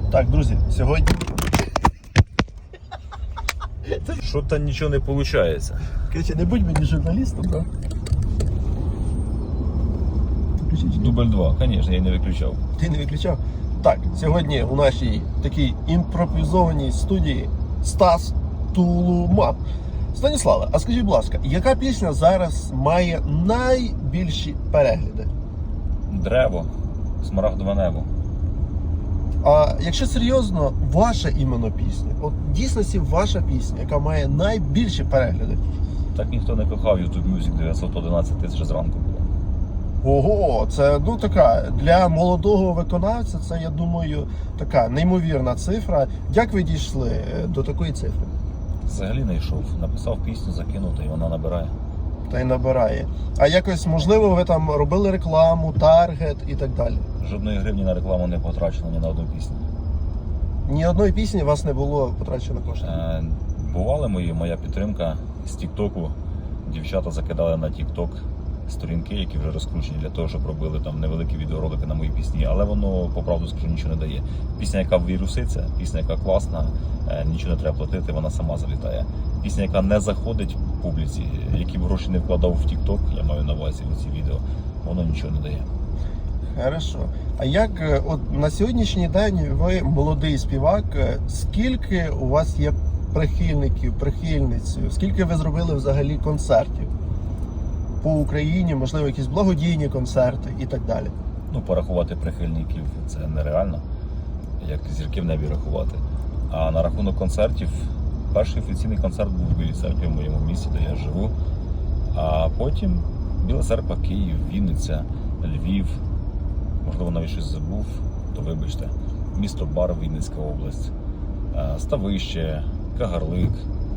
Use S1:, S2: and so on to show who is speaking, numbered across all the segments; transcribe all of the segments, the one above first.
S1: Так, друзі, сьогодні...
S2: Що-то нічого не виходить.
S1: Короче, не будь мені журналістом, так?
S2: Дубль 2, звісно, я не виключав.
S1: Ти не виключав? Так, сьогодні у нашій такій імпровізованій студії Стас Тулуман. Станіславе, а скажіть, будь ласка, яка пісня зараз має найбільші перегляди?
S2: Древо, смарагдове небо.
S1: А якщо серйозно, ваша іменно пісня, от в дійсності ваша пісня, яка має найбільші перегляди?
S2: Так ніхто не кохав YouTube Music, 911 тисяч зранку було.
S1: Ого, це така для молодого виконавця, це, я думаю, така неймовірна цифра. Як ви дійшли до такої цифри?
S2: Взагалі не йшов. Написав пісню, закинув, і вона набирає.
S1: Та й набирає. А якось, можливо, ви там робили рекламу, таргет і так далі?
S2: Жодної гривні на рекламу не потрачено ні на одну пісню.
S1: Ні одної пісні у вас не було потрачено коштів?
S2: Бували моя підтримка з Тік-Току. Дівчата закидали на Тік-Ток сторінки, які вже розкручені для того, щоб робили там невеликі відеоролики на мої пісні, але воно, по правду скажу, нічого не дає. Пісня, яка віруситься, пісня, яка класна, нічого не треба платити, вона сама залітає. Пісня, яка не заходить публіці, які б гроші не вкладав в Тік-Ток, я маю на увазі в ці відео, воно нічого не дає.
S1: Хорошо. А як от на сьогоднішній день ви молодий співак, скільки у вас є прихильників, прихильниць, скільки ви зробили взагалі концертів по Україні, можливо, якісь благодійні концерти і так далі?
S2: Ну, порахувати прихильників це нереально, як зірки в небі рахувати. А на рахунок концертів, перший офіційний концерт був в Білій Церкві, в моєму місті, де я живу. А потім Біла Церква, Київ, Вінниця, Львів, можливо, навіть щось забув, то вибачте. Місто Бар, Вінницька область, Ставище, Кагарлик,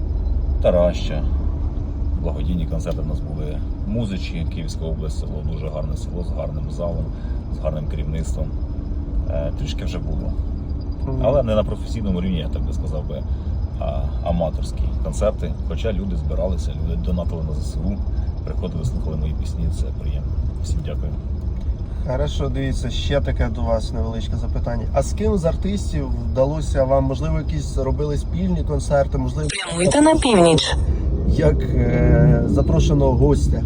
S2: Тараща. Благодійні концерти в нас були. Музичі, Київська область, село, дуже гарне село, з гарним залом, з гарним керівництвом. Трішки вже було. Але не на професійному рівні, я так би сказав би, а аматорські концерти. Хоча люди збиралися, люди донатили на ЗСУ, приходили, слухали мої пісні, це приємно. Всім дякую.
S1: Хорошо, дивіться, ще таке до вас невеличке запитання. А з ким з артистів вдалося вам, можливо, якісь робили спільні концерти, можливо...
S3: Прямуйте на північ.
S1: Як запрошеного гостя?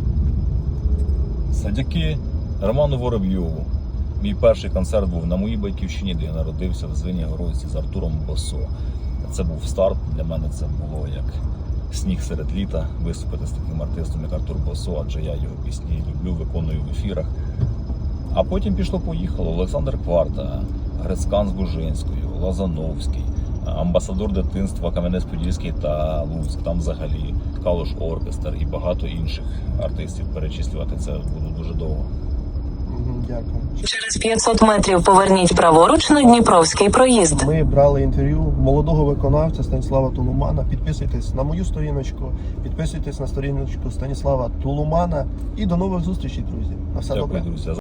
S2: Завдяки Роману Воробйову. Мій перший концерт був на моїй батьківщині, де я народився, в Звенигородці з Артуром Босо. Це був старт, для мене це було як сніг серед літа, виступити з таким артистом, як Артур Босо, адже я його пісні люблю, виконую в ефірах. А потім пішло-поїхало Олександр Кварта, Грицькан з Бужинською, Лазановський, амбасадор дитинства Кам'янець-Подільський та Луцьк, там взагалі Калуш Оркестр і багато інших артистів. Перечислювати це буде дуже довго.
S1: Дякую.
S3: Через 500 метрів поверніть праворуч на Дніпровський проїзд.
S1: Ми брали інтерв'ю молодого виконавця Станіслава Тулумана. Підписуйтесь на мою сторіночку, підписуйтесь на сторіночку Станіслава Тулумана. І до нових зустрічей, друзі. На все добре.
S2: Дякую, друзі.